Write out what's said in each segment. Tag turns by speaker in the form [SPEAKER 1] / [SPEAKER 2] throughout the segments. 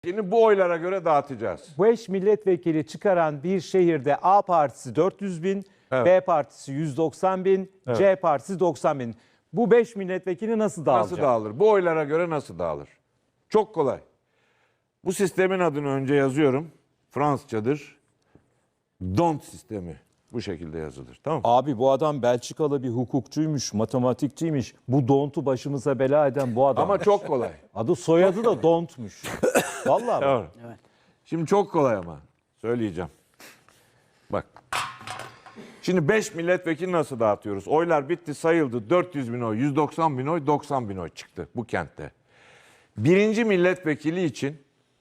[SPEAKER 1] Şimdi bu oylara göre dağıtacağız.
[SPEAKER 2] 5 milletvekili çıkaran bir şehirde A partisi 400 bin,
[SPEAKER 1] Evet.
[SPEAKER 2] B partisi 190 bin,
[SPEAKER 1] Evet.
[SPEAKER 2] C partisi 90 bin. Bu 5 milletvekili nasıl dağılacak?
[SPEAKER 1] Nasıl dağılır? Bu oylara göre nasıl dağılır? Çok kolay. Bu sistemin adını önce yazıyorum. Fransızcadır. Don't sistemi. Bu şekilde yazılır. Tamam mı?
[SPEAKER 2] Abi bu adam Belçikalı bir hukukçuymuş, matematikçiymiş. Bu Dont'u başımıza bela eden bu adam.
[SPEAKER 1] Ama çok kolay.
[SPEAKER 2] Adı soyadı da Dont'muş. Vallahi bak.
[SPEAKER 1] Doğru. Şimdi çok kolay ama. Söyleyeceğim. Bak. Şimdi 5 milletvekili nasıl dağıtıyoruz? Oylar bitti, sayıldı. 400 bin oy, 190 bin oy, 90 bin oy çıktı bu kentte. Birinci milletvekili için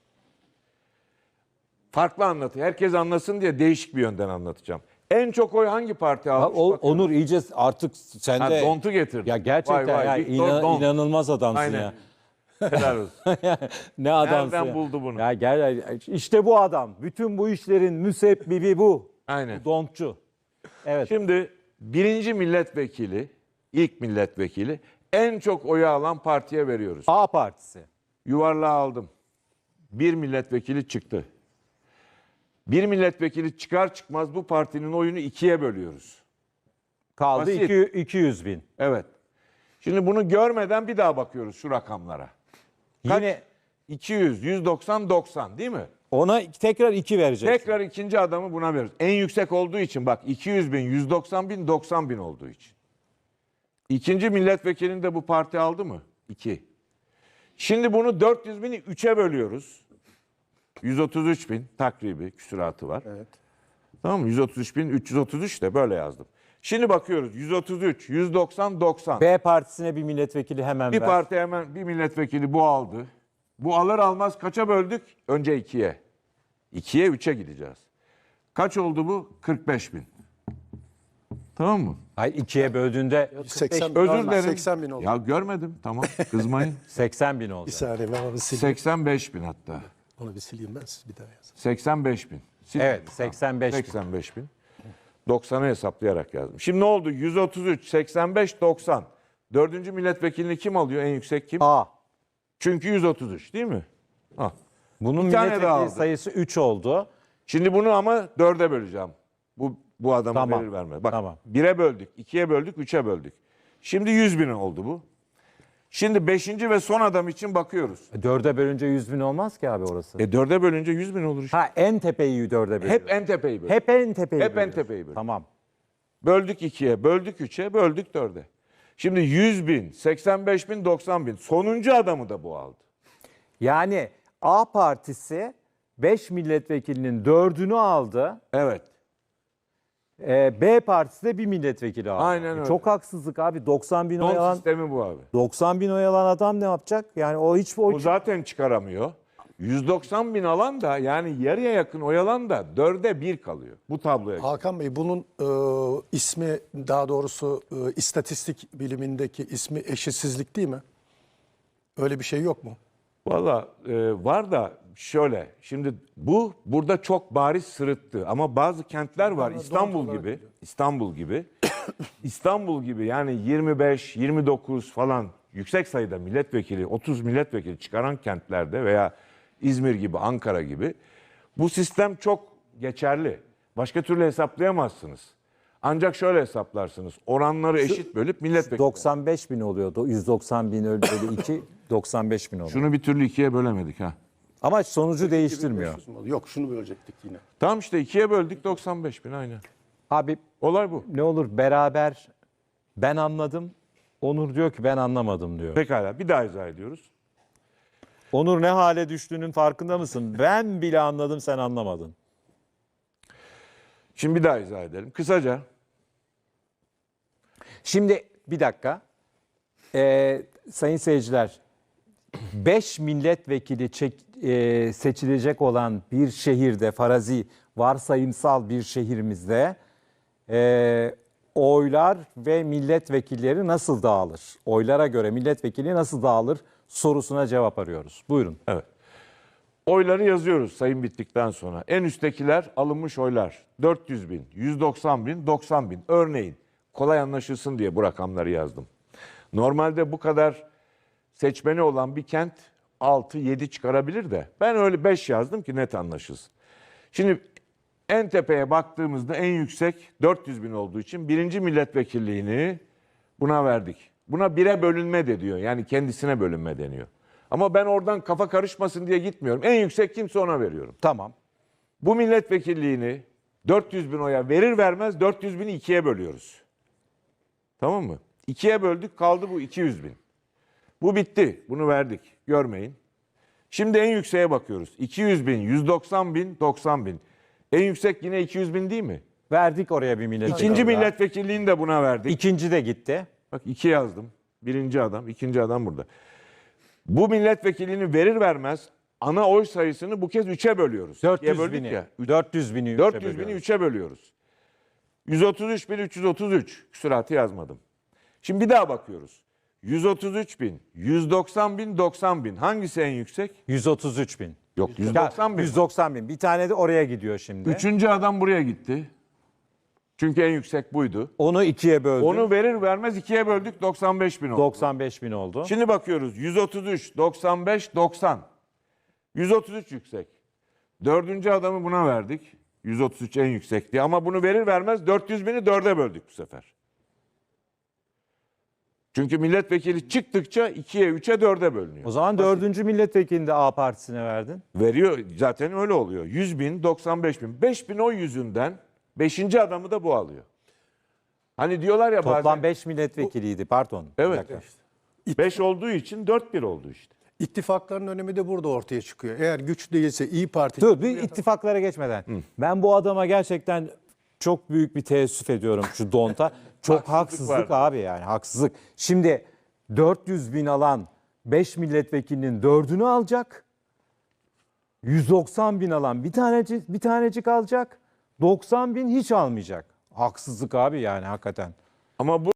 [SPEAKER 1] farklı anlatıyor. Herkes anlasın diye değişik bir yönden anlatacağım. En çok oy hangi parti almış?
[SPEAKER 2] Onur iyice artık sen
[SPEAKER 1] Ha,
[SPEAKER 2] de...
[SPEAKER 1] Dont'u getirdi.
[SPEAKER 2] Ya gerçekten
[SPEAKER 1] Vay vay,
[SPEAKER 2] ya,
[SPEAKER 1] Victor Dont.
[SPEAKER 2] inanılmaz adamsın
[SPEAKER 1] Aynen.
[SPEAKER 2] ya.
[SPEAKER 1] Helal olsun.
[SPEAKER 2] Ne adamsın
[SPEAKER 1] Nereden
[SPEAKER 2] ya.
[SPEAKER 1] buldu bunu?
[SPEAKER 2] Ya gel işte bu adam. Bütün bu işlerin müsebbibi bu.
[SPEAKER 1] Aynen.
[SPEAKER 2] Bu Dontçu. Evet.
[SPEAKER 1] Şimdi birinci milletvekili, ilk milletvekili en çok oyu alan partiye veriyoruz.
[SPEAKER 2] A partisi.
[SPEAKER 1] Yuvarlağı aldım. Bir milletvekili çıktı. Bir milletvekili çıkar çıkmaz bu partinin oyunu ikiye bölüyoruz.
[SPEAKER 2] Kaldı
[SPEAKER 1] Basit.
[SPEAKER 2] 200 bin.
[SPEAKER 1] Evet. Şimdi bunu görmeden bir daha bakıyoruz şu rakamlara. Kaç?
[SPEAKER 2] Yine
[SPEAKER 1] 200, 190, 90 değil mi?
[SPEAKER 2] ona tekrar 2 verecek.
[SPEAKER 1] Tekrar ikinci adamı buna veriyoruz. En yüksek olduğu için bak 200 bin, 190 bin, 90 bin olduğu için. İkinci milletvekilini de bu parti aldı mı? 2. Şimdi bunu 400 bini 3'e bölüyoruz. 133 bin takribi küsuratı var.
[SPEAKER 3] Evet.
[SPEAKER 1] Tamam mı? 133 bin 333 de böyle yazdım. Şimdi bakıyoruz 133, 190, 90.
[SPEAKER 2] B partisine bir milletvekili hemen
[SPEAKER 1] Bir
[SPEAKER 2] ver.
[SPEAKER 1] parti hemen bir milletvekili bu aldı. Bu alır almaz kaça böldük? Önce 2'ye. 2'ye 3'e gideceğiz. Kaç oldu bu? 45 bin. Tamam mı?
[SPEAKER 2] Hayır 2'ye böldüğünde
[SPEAKER 3] 80
[SPEAKER 1] Özür
[SPEAKER 3] bin,
[SPEAKER 1] dilerim.
[SPEAKER 3] 80 bin oldu.
[SPEAKER 1] Ya görmedim. Tamam kızmayın.
[SPEAKER 2] 80 bin oldu.
[SPEAKER 3] Bir saniye ben onu sileyim.
[SPEAKER 1] 85 bin hatta.
[SPEAKER 3] Onu bir sileyim ben, siz bir daha yazın.
[SPEAKER 1] 85 bin.
[SPEAKER 2] Evet 85 bin.
[SPEAKER 1] 85 bin. 90'ı hesaplayarak yazdım. Şimdi ne oldu? 133, 85, 90. Dördüncü milletvekilini kim alıyor? En yüksek kim?
[SPEAKER 2] A.
[SPEAKER 1] Çünkü 133 değil mi? Ha.
[SPEAKER 2] Bunun
[SPEAKER 1] Bir tane daha
[SPEAKER 2] milletvekili
[SPEAKER 1] aldı.
[SPEAKER 2] sayısı 3 oldu.
[SPEAKER 1] Şimdi bunu ama 4'e böleceğim. Bu adamı
[SPEAKER 2] Tamam.
[SPEAKER 1] verir vermez. Bak
[SPEAKER 2] Tamam.
[SPEAKER 1] 1'e böldük, 2'ye böldük, 3'e böldük. Şimdi 100 bin oldu bu. Şimdi 5. ve son adam için bakıyoruz.
[SPEAKER 2] 4'e bölünce 100 bin olmaz ki abi orası.
[SPEAKER 1] 4'e bölünce 100 bin olur işte.
[SPEAKER 2] Ha en tepeyi 4'e bölüyor.
[SPEAKER 1] Hep en tepeyi böldük.
[SPEAKER 2] Hep en tepeyi
[SPEAKER 1] Hep en
[SPEAKER 2] bölüyor.
[SPEAKER 1] tepeyi bölüyor.
[SPEAKER 2] Tamam.
[SPEAKER 1] Böldük 2'ye, böldük 3'e, böldük 4'e. Şimdi 100 bin, 85 bin, 90 bin. Sonuncu adamı da bu aldı.
[SPEAKER 2] Yani A partisi 5 milletvekilinin 4'ünü aldı.
[SPEAKER 1] Evet.
[SPEAKER 2] B partisi de bir milletvekili aldı.
[SPEAKER 1] Aynen öyle.
[SPEAKER 2] Çok haksızlık abi. 90 bin oy
[SPEAKER 1] Don
[SPEAKER 2] alan,
[SPEAKER 1] sistemi bu abi.
[SPEAKER 2] 90 bin oy alan adam ne yapacak? Yani o hiç
[SPEAKER 1] O zaten çıkaramıyor. 190 bin alan da yani yarıya yakın oy alan da 4'e 1 kalıyor. Bu tabloya göre.
[SPEAKER 3] Hakan Bey, bunun ismi, daha doğrusu istatistik bilimindeki ismi eşitsizlik değil mi? Öyle bir şey yok mu?
[SPEAKER 1] Valla var da şöyle. Şimdi burada çok bariz sırıttı. Ama bazı kentler var. İstanbul gibi yani 25, 29 falan yüksek sayıda milletvekili, 30 milletvekili çıkaran kentlerde veya İzmir gibi, Ankara gibi bu sistem çok geçerli. Başka türlü hesaplayamazsınız. Ancak şöyle hesaplarsınız. Oranları eşit bölüp milletvekili.
[SPEAKER 2] 95 bin oluyordu. 190 bin bölü 2, 95 bin oluyor.
[SPEAKER 1] Şunu bir türlü ikiye bölemedik ha.
[SPEAKER 2] Ama sonucu değiştirmiyor.
[SPEAKER 3] 500 mü oldu? Yok, şunu bölecektik yine.
[SPEAKER 1] Tamam işte ikiye böldük 95 bin aynen.
[SPEAKER 2] Abi
[SPEAKER 1] Olay bu.
[SPEAKER 2] ne olur beraber ben anladım. Onur diyor ki ben anlamadım diyor.
[SPEAKER 1] Pekala bir daha izah ediyoruz.
[SPEAKER 2] Onur ne hale düştüğünün farkında mısın? Ben bile anladım, sen anlamadın.
[SPEAKER 1] Şimdi bir daha izah edelim. Kısaca
[SPEAKER 2] Şimdi bir dakika. Sayın seyirciler, 5 milletvekili seçilecek olan bir şehirde, farazi, varsayımsal bir şehrimizde oylar ve milletvekilleri nasıl dağılır? Oylara göre milletvekili nasıl dağılır sorusuna cevap arıyoruz. Buyurun.
[SPEAKER 1] evet. Oyları yazıyoruz sayım bittikten sonra. En üsttekiler alınmış oylar. 400 bin, 190 bin, 90 bin. Örneğin kolay anlaşılsın diye bu rakamları yazdım. Normalde bu kadar seçmeni olan bir kent 6, 7 çıkarabilir de. Ben öyle 5 yazdım ki net anlaşılsın. Şimdi en tepeye baktığımızda en yüksek 400 bin olduğu için birinci milletvekilliğini buna verdik. Buna 1'e bölünme de diyor. Yani kendisine bölünme deniyor. Ama ben oradan kafa karışmasın diye gitmiyorum. En yüksek kimse ona veriyorum.
[SPEAKER 2] Tamam.
[SPEAKER 1] Bu milletvekilliğini 400 bin oya verir vermez 400 bini 2'ye bölüyoruz. Tamam mı? 2'ye böldük, kaldı bu 200 bin. Bu bitti. Bunu verdik. Görmeyin. Şimdi en yükseğe bakıyoruz. 200 bin, 190 bin, 90 bin. En yüksek yine 200 bin değil mi?
[SPEAKER 2] Verdik oraya bir milletvekili.
[SPEAKER 1] İkinci
[SPEAKER 2] daha.
[SPEAKER 1] milletvekilliğini de buna verdik.
[SPEAKER 2] İkinci de gitti.
[SPEAKER 1] Bak 2 yazdım. Birinci adam, ikinci adam burada. Bu milletvekilliğini verir vermez ana oy sayısını bu kez 3'e bölüyoruz.
[SPEAKER 2] 400
[SPEAKER 1] böldük
[SPEAKER 2] bini.
[SPEAKER 1] ya.
[SPEAKER 2] 400 bini.
[SPEAKER 1] 400 bini 3'e bölüyoruz. 133 bin 333. Küsuratı yazmadım. Şimdi bir daha bakıyoruz. 133 bin, 190 bin, 90 bin. Hangisi en yüksek?
[SPEAKER 2] 133 bin.
[SPEAKER 1] Yok 190 bin.
[SPEAKER 2] 190 bin. Bir tane de oraya gidiyor şimdi.
[SPEAKER 1] Üçüncü adam buraya gitti. Çünkü en yüksek buydu.
[SPEAKER 2] Onu ikiye böldü.
[SPEAKER 1] Onu verir vermez 2'ye böldük 95 bin oldu.
[SPEAKER 2] 95 bin oldu.
[SPEAKER 1] Şimdi bakıyoruz 133, 95, 90. 133 yüksek. Dördüncü adamı buna verdik. 133 en yüksekti ama bunu verir vermez 400 bini 4'e böldük bu sefer. Çünkü milletvekili çıktıkça 2'ye, 3'e, 4'e bölünüyor.
[SPEAKER 2] O zaman dördüncü milletvekilini de A partisine verdin.
[SPEAKER 1] Veriyor zaten öyle oluyor. 100 bin, 95 bin. 5 bin oy yüzünden 5. adamı da bu alıyor. Hani diyorlar ya
[SPEAKER 2] Toplam
[SPEAKER 1] bazen
[SPEAKER 2] 5 milletvekiliydi pardon. Bir
[SPEAKER 1] Evet.
[SPEAKER 2] dakika.
[SPEAKER 1] 5 olduğu için 4-1 oldu işte.
[SPEAKER 3] İttifakların önemi de burada ortaya çıkıyor. Eğer güç değilse İyi Parti...
[SPEAKER 2] Dur bir ittifaklara geçmeden. Ben bu adama gerçekten çok büyük bir teessüf ediyorum şu Donta. Çok haksızlık
[SPEAKER 1] vardı.
[SPEAKER 2] abi yani haksızlık. Şimdi 400 bin alan 5 milletvekilinin 4'ünü alacak. 190 bin alan bir tanecik alacak. 90 bin hiç almayacak. Haksızlık abi yani hakikaten.
[SPEAKER 1] Ama bu